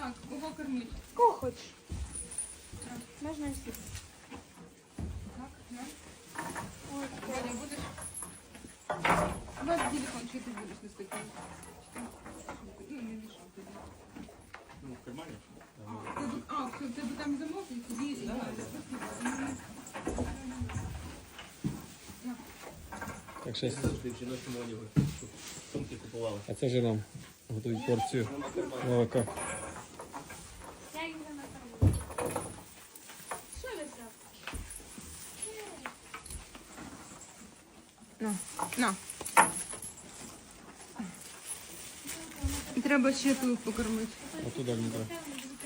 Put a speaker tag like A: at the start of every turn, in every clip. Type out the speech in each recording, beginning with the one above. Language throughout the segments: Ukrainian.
A: Так, кого кормить?
B: Кого хочеш? Можна всі.
A: Так, на.
B: Ой,
A: Ваня, будеш? Ваш телефон, чи ти будеш на столі? Ну, не мішав тобі.
C: Ну, в кармані.
A: В тебе там замок і тобі...
D: Так, щас.
C: Завжди в жіночому одягу. Щоб сумки купували.
D: А це вже нам готують порцію молока.
B: я їх не накормлю. Що ви взяв?
A: На. Треба ще тут покормити.
D: Отуда не треба.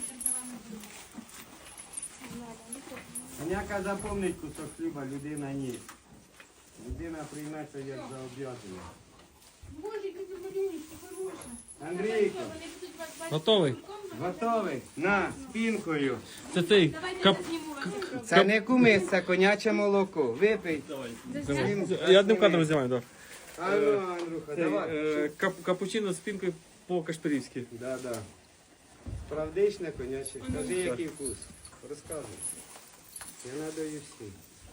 E: Коняка запомнить кусок хліба, людина ні. Людина прийме це як заоб'язання.
B: Боже, які ти малюнки, хороша.
E: Андрійко,
B: Вони будуть вас бачити.
D: Готовий?
E: готовий? На, спінкою.
D: Це ти.
B: Давайте я зніму вас.
E: Це не кумис, це коняче молоко. Випий.
D: Я одним кадром знімаю, так.
E: А ну, Андрюха, давай.
D: Капучино з пінкою по-кашпирівськи.
E: Да. Справдичне коняче. Скажи, який вкус. Розказуй. Я надаю всі.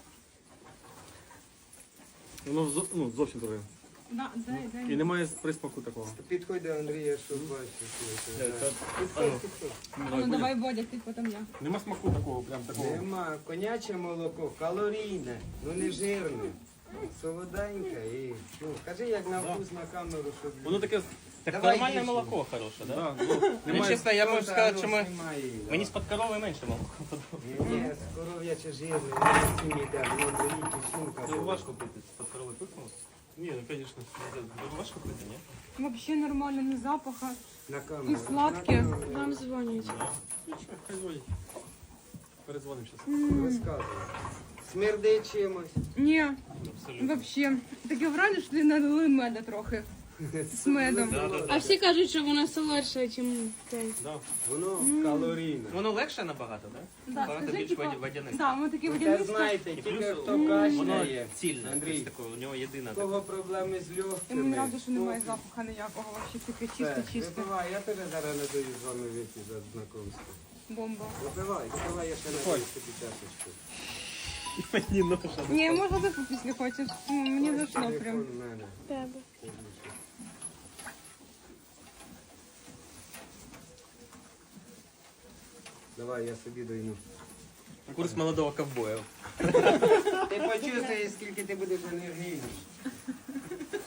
D: Воно зовсім дороге.
A: Дай.
D: І немає присмаку такого.
E: Підходь до Андрія, щоб бачити.
A: Ну, давай, Бодя, ти потім я.
D: Нема смаку такого, прям такого.
E: Нема. Коняче молоко, калорійне, ну не жирне. Солоденьке і, кажи, як на вкус на камеру, щоб...
D: Воно таке.
C: Так
E: Давай
C: нормальне
E: більше.
C: молоко хороше, так? Да?
D: Да,
C: Ну, чесно, я можу сказати, що
E: Немає.
C: мені з-під корови менше молоко подобається.
E: Ні, коров'яче жирне, не всім йде, воно беріть і сумка.
D: Ну, важко пити з-під корови пихнуло. Ні, ну звісно, важко пити, ні?
A: Взагалі нормально, не запаха.
E: На камеру.
A: І сладке.
E: На камеру.
B: Вам дзвонять.
D: Нічого, хай звонить. Передзвонимо зараз.
E: Розказуй. Смердить чимось.
A: Ні,
C: Абсолютно.
A: взагалі. Таке враження, що ти налили меда трохи. З медом.
B: А всі кажуть, що вона солодша, ніж цей.
D: Да.
E: Воно калорійне.
C: Воно легше набагато, так?
A: Да,
C: Багато
A: скажи,
C: більш
A: типа,
C: водяне.
A: Да, ми такі
E: Те
A: водянисті.
E: знаєте,
C: І
E: тільки
C: плюс
E: хто
C: воно
E: кашляє.
C: цільне.
E: Андрій,
C: Такого, у нього єдина
E: у
C: така.
E: кого проблеми з
A: І мені
E: легкими.
A: радо, що немає запаха ніякого. Взагалі таке
E: Все,
A: чисте-чисте.
E: випивай, я тебе зараз не даю з вами вийти за знакомство.
A: Бомба.
E: Випивай, я ще не даю собі чашечку.
C: Мені ноша.
A: Ні, можна випити, якщо хочеш. Мені зайшло
E: Телефон
A: прям.
E: в мене.
B: Тебе.
E: Давай, я собі даю.
C: Курс молодого ковбоя.
E: Ти почувствуєш, скільки ти будеш енергійний.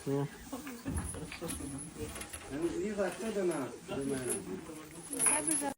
E: Ліза, хто до нас? До мене.